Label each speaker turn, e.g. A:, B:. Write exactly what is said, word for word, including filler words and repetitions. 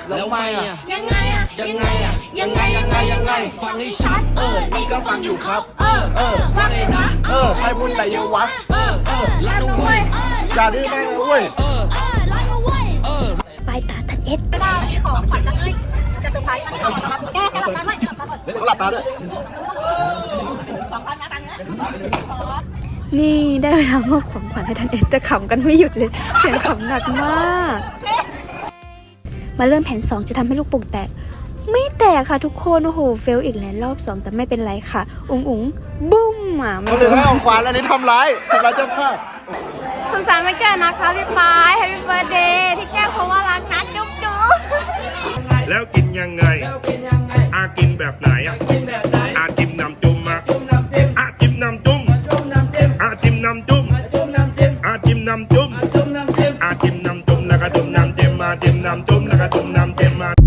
A: แล้วไม่อะ
B: ยังไงอะ
A: ยังไงอะยังไงยังไงยังไงฟังให้ชัดเออนี่ก็ฟังอยู่ครับเออเออว่าไงนะ
C: เออใครพูดอะไรเยอะวะ
A: เออเออรักนะเว้ย
C: อย่าดื้อมากนะเว้ย
A: เออ
B: เออรักนะเว้ย
A: เออ
B: ปลายตาทันเอ็ดไม่ได้ของขวัญจะให้จะเซอร์ไพรส์มันครับแกแกหลับตาไหมหลับตาก่อน
C: เขาหลับตาด้วย
B: สองพันนะตังค์นะ
D: นี่ได้เวลามอบของขวัญให้ทันเอ็ดแต่ขำกันไม่หยุดเลย เสียงขำหนักมาก มาเริ่มแผนสองจะทำให้ลูกโป่งแตก ไม่แตกค่ะทุกคนโอ้โหเฟลอีกแล้วรอบสองแต่ไม่เป็นไรค่ะ อุ๋งอุ๋งบุ้มอ่ะไม่
C: คนอื่นให้ของขวัญอันนี้ทำร้ายทำร้ายเจ้าภาพ
D: สุขสันต์วันเกิดนะคะพี่ปายแฮปปี้เบิร์ดเดย์พี่แก้วเพราะว่ารักนะจุ๊บจุ๊บ
E: แล้วกินยังไงอากินแบบไหนอ่ะอาจิ้มน้ำจุ่มอ่ะอาจิ้มน้ำจุ่มอาจิ้มน้ำจุ่มอาจิ้มน้ำจุ่มอาจิ้มน้ำจุ่มแล้วก็จุ่มน้ำจิ้มมาจิ้มน้ำจุ่มแล้วก็จุ่มน้ำจิ้มมา